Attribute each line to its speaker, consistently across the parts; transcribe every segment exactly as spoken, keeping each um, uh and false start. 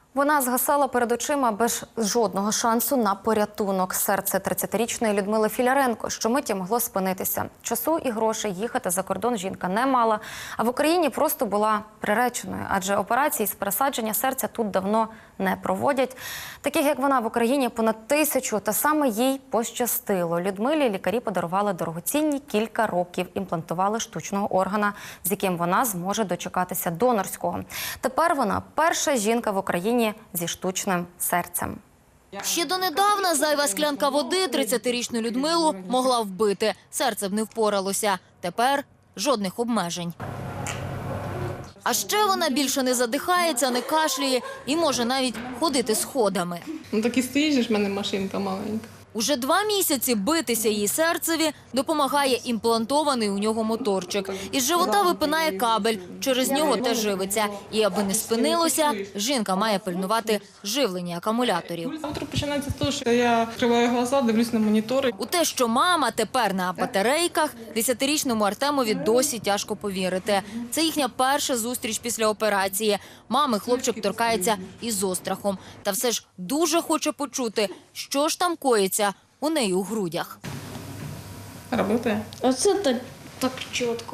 Speaker 1: Вона згасала перед очима без жодного шансу на порятунок. Серце тридцятирічної Людмили Філяренко щомиті могло спинитися. Часу і грошей їхати за кордон жінка не мала, а в Україні просто була приреченою, адже операції з пересадження серця тут давно не проводять. Таких, як вона, в Україні понад тисячу, та саме їй пощастило. Людмилі лікарі подарували дорогоцінні кілька років, імплантували штучного органа, з яким вона зможе дочекатися донорського. Тепер вона перша жінка в Україні зі штучним серцем.
Speaker 2: Ще донедавна зайва склянка води тридцятирічну Людмилу могла вбити. Серце б не впоралося. Тепер жодних обмежень. А ще вона більше не задихається, не кашляє і може навіть ходити сходами.
Speaker 3: Ну так і стоїть же ж в мене машинка маленька.
Speaker 2: Уже два місяці битися її серцеві допомагає імплантований у нього моторчик. Із живота випинає кабель, через нього теж живиться. І аби не спинилося, жінка має пильнувати живлення акумуляторів.
Speaker 3: Утро починається з того, що я відкриваю глаза, дивлюсь на монітори.
Speaker 2: У те, що мама тепер на батарейках, десятирічному Артемові досі тяжко повірити. Це їхня перша зустріч після операції. Мами хлопчик торкається із острахом. Та все ж дуже хоче почути, що ж там коїться у неї у грудях.
Speaker 3: Работає.
Speaker 4: Оце так, так чітко.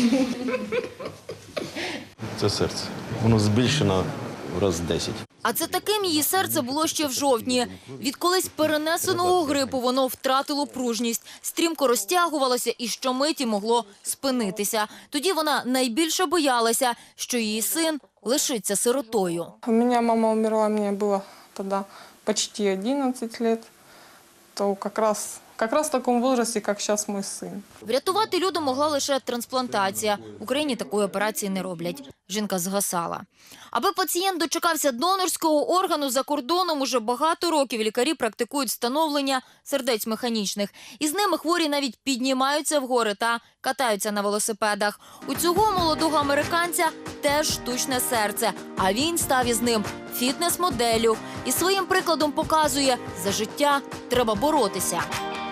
Speaker 5: Це серце. Воно збільшено в раз десять.
Speaker 2: А це таким її серце було ще в жовтні. Від колись перенесеного грипу воно втратило пружність, стрімко розтягувалося і щомиті могло спинитися. Тоді вона найбільше боялася, що її син лишиться сиротою.
Speaker 3: У мене мама умерла, мені було тоді почти одинадцять років. То якраз, якраз в такому віці, як зараз мій син.
Speaker 2: Врятувати Люду могла лише трансплантація. В Україні такої операції не роблять. Жінка згасала. Аби пацієнт дочекався донорського органу за кордоном, уже багато років лікарі практикують встановлення сердець механічних. Із ними хворі навіть піднімаються в гори та катаються на велосипедах. У цього молодого американця теж штучне серце, а він став із ним фітнес-моделлю. І своїм прикладом показує, за життя треба боротися.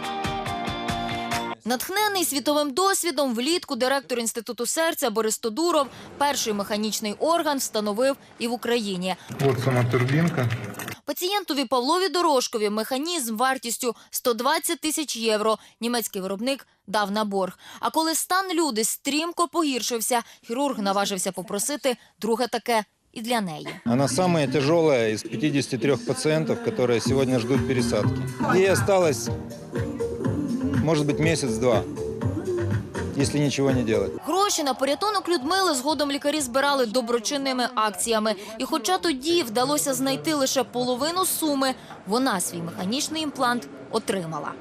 Speaker 2: Натхнений світовим досвідом, влітку директор Інституту серця Борис Тодуров перший механічний орган встановив і в Україні.
Speaker 6: Ось сама турбінка.
Speaker 2: Пацієнтові Павлові Дорожкові механізм вартістю сто двадцять тисяч євро німецький виробник дав на борг. А коли стан Люди стрімко погіршився, хірург наважився попросити друге таке и для неї.
Speaker 7: Она самая тяжелая из пятидесяти трёх пациентов, которые сегодня ждут пересадки. Ей осталось, может быть, месяц-два, если ничего не делать.
Speaker 2: Гроші на порятунок Людмили згодом лікарі збирали доброчинними акціями. І хоча тоді вдалося знайти лише половину суми, вона свій механічний імплант отримала.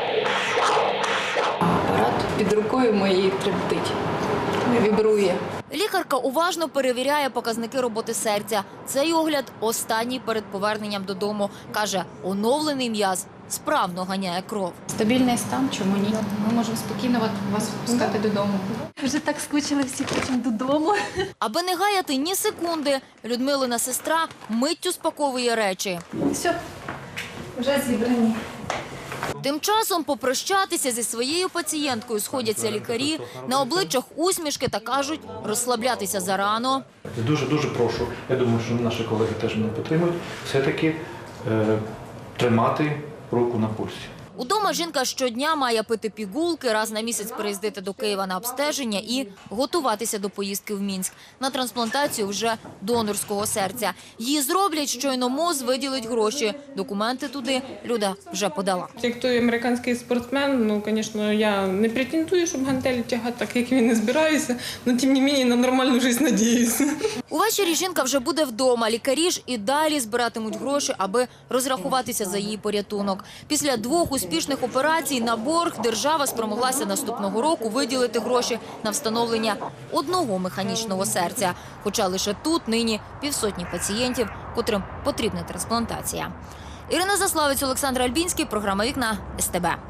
Speaker 4: Апарат під рукою моєю трептить, вібрує.
Speaker 2: Лікарка уважно перевіряє показники роботи серця. Цей огляд останній перед поверненням додому. Каже, оновлений м'яз справно ганяє кров.
Speaker 8: Стабільний стан, чому ні? Ми можемо спокійно вас пускати додому. Вже так скучили всі, хочемо додому.
Speaker 2: Аби не гаяти ні секунди, Людмилина сестра миттю спаковує речі.
Speaker 8: Все, вже зібрані.
Speaker 2: Тим часом попрощатися зі своєю пацієнткою сходяться лікарі, на обличчях усмішки та кажуть, розслаблятися зарано.
Speaker 9: Дуже-дуже прошу, я думаю, що наші колеги теж мене підтримують, все-таки е, тримати руку на пульсі.
Speaker 2: Удома жінка щодня має пити пігулки, раз на місяць приїздити до Києва на обстеження і готуватися до поїздки в Мінськ на трансплантацію вже донорського серця. Її зроблять, щойно МОЗ виділить гроші. Документи туди Люда вже подала.
Speaker 3: Як той американський спортсмен, ну, звісно, я не претендую, щоб гантелі тягати, так як він не збираюся, але, тим не менше, на нормальну життя сподіваюся.
Speaker 2: Увечері жінка вже буде вдома. Лікарі ж і далі збиратимуть гроші, аби розрахуватися за її порятунок. Після двох успішних операцій на борг держава спромоглася наступного року виділити гроші на встановлення одного механічного серця. Хоча лише тут нині півсотні пацієнтів, котрим потрібна трансплантація. Ірина Заславець, Олександр Альбінський, програма «Вікна», ес те бе.